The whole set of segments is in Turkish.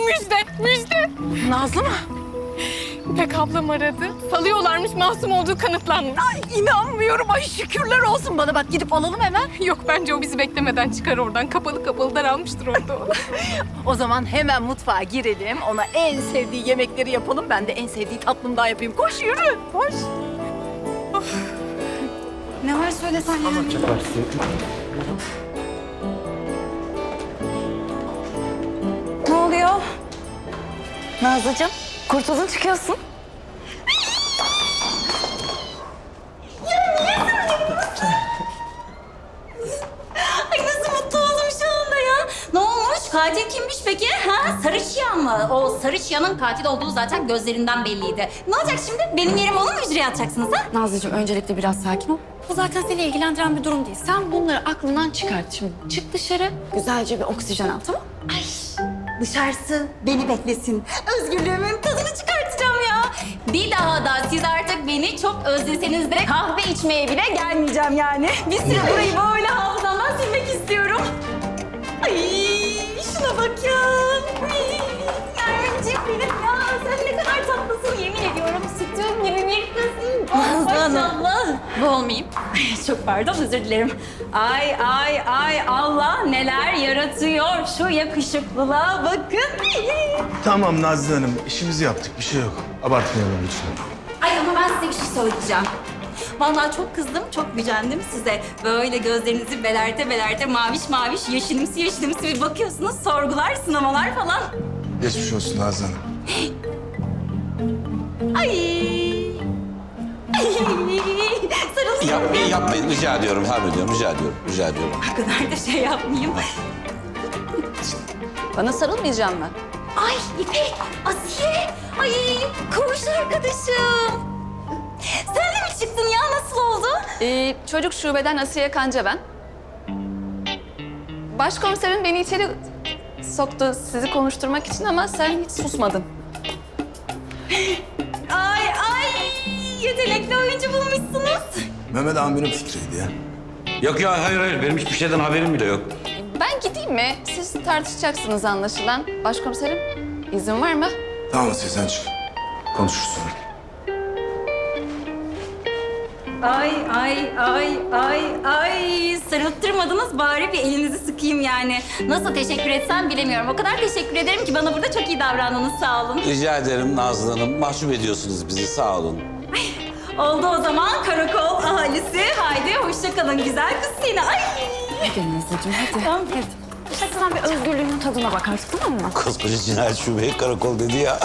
Müjde. Nazlı mı? İpek ablam aradı. Salıyorlarmış, masum olduğu kanıtlanmış. Ay inanmıyorum. Ay şükürler olsun bana. Bak gidip alalım hemen. Yok, bence o bizi beklemeden çıkar oradan. Kapalı daralmıştır orada o. O zaman hemen mutfağa girelim. Ona en sevdiği yemekleri yapalım. Ben de en sevdiği tatlımdan yapayım. Koş yürü. Koş. Ne var söylesen ya. Ne oluyor? Nazlıcığım, kurtuldun çıkıyorsun. Ay nasıl mutlu oldum şu anda ya. Ne olmuş? Katil kimmiş peki? Ha? Sarı Çıyan mı? O Sarı Çıyan'ın katil olduğu zaten gözlerinden belliydi. Ne olacak şimdi? Benim yerime onu mu hücreye atacaksınız ha? Nazlıcığım öncelikle biraz sakin ol. Bu zaten seni ilgilendiren bir durum değil. Sen bunları aklından çıkart şimdi. Çık dışarı, güzelce bir oksijen al, tamam? Ay dışarısı beni beklesin. Özgürlüğümün tadını çıkartacağım ya. Bir daha da siz artık beni çok özleseniz de kahve içmeye bile gelmeyeceğim yani. Bir süre burayı böyle hafızamdan silmek istiyorum. Ay şuna bak ya. Nermin'ciğim benim ya. Sen ne kadar tatlısın yemin ediyorum. Sütüm gibi bir kızsın. Oh, maşallah. Bu olmayayım. Ay, çok pardon özür dilerim. Ay Allah neler yaratıyor. Şu yakışıklılığa bakın. Tamam Nazlı Hanım, işimizi yaptık. Bir şey yok. Abartmayalım lütfen. Ay ama ben size bir şey söyleyeceğim. Vallahi çok kızdım, çok gücendim size. Böyle gözlerinizi belerte maviş yeşilimsi bir bakıyorsunuz. Sorgular, sınamalar falan. Geçmiş olsun Nazlı Hanım. Ay. Sarılsın. Yapmayın, rica ediyorum, rica ediyorum. O kadar da şey yapmayayım. Bana sarılmayacağım mı? Ay İpek, Asiye. Ay koğuş arkadaşım. Sen de mi çıktın ya? Nasıl oldu? Çocuk şubeden Asiye Kanca ben. Başkomiserim beni içeri soktu sizi konuşturmak için ama sen hiç susmadın. Ay yetenekli oyuncu bulmuşsunuz. Mehmet amirin fikriydi ya. Yok ya, hayır, benim hiçbir şeyden haberim bile yok. Ben gideyim mi? Siz tartışacaksınız anlaşılan. Başkomiserim, izin var mı? Tamam Asiye sen çık. Konuşuruz sonra. Ay. Sarılttırmadınız bari bir elinizi sıkayım yani. Nasıl teşekkür etsem bilemiyorum. O kadar teşekkür ederim ki bana burada çok iyi davrandınız. Sağ olun. Rica ederim Nazlı Hanım, mahcup ediyorsunuz bizi, sağ olun. Oldu o zaman karakol ahalisi. Haydi hoşça kalın güzel kız seni. Ay. Hadi Nazlıcığım, hadi. Tamam. Sen bir özgürlüğünün tadına bak artık, tamam mı? Koskoca cinayet şubeyi karakol dedi ya.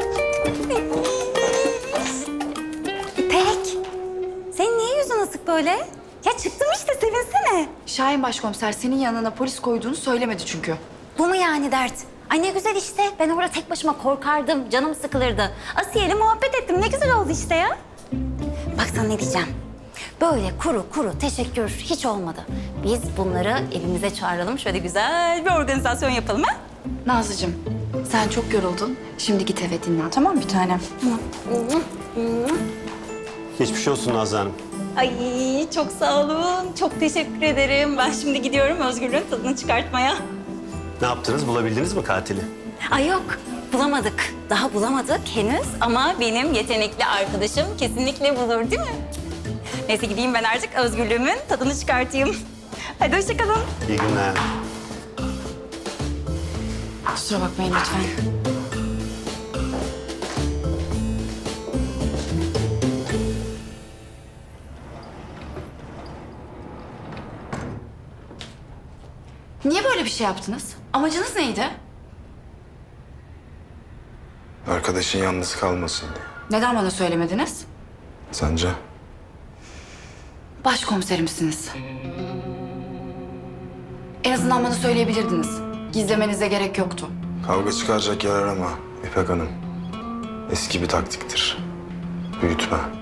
İpek. Senin niye yüzün asık böyle? Ya çıktım işte sevinsene. Şahin başkomiser senin yanına polis koyduğunu söylemedi çünkü. Bu mu yani dert? Ay ne güzel işte. Ben orada tek başıma korkardım. Canım sıkılırdı. Asiye'yle muhabbet ettim. Ne güzel oldu işte ya. Bak sana ne diyeceğim. Böyle kuru teşekkür hiç olmadı. Biz bunları evimize çağıralım. Şöyle güzel bir organizasyon yapalım ha? Nazlıcığım sen çok yoruldun. Şimdi git eve dinlen, tamam mı bir tanem? Geçmiş olsun Nazlı Hanım. Ay çok sağ olun. Çok teşekkür ederim. Ben şimdi gidiyorum özgürlüğün tadını çıkartmaya. Ne yaptınız? Bulabildiniz mi katili? Ay yok bulamadık. Daha bulamadık henüz ama benim yetenekli arkadaşım kesinlikle bulur değil mi? Neyse gideyim ben artık özgürlüğümün tadını çıkartayım. Hadi hoşça kalın. İyi günler. Kusura bakmayın lütfen. Niye böyle bir şey yaptınız? Amacınız neydi? Arkadaşın yalnız kalmasın diye. Neden bana söylemediniz? Sence? Başkomiserimsiniz. En azından bana söyleyebilirdiniz. Gizlemenize gerek yoktu. Kavga çıkaracak yer arama İpek Hanım. Eski bir taktiktir. Büyütme.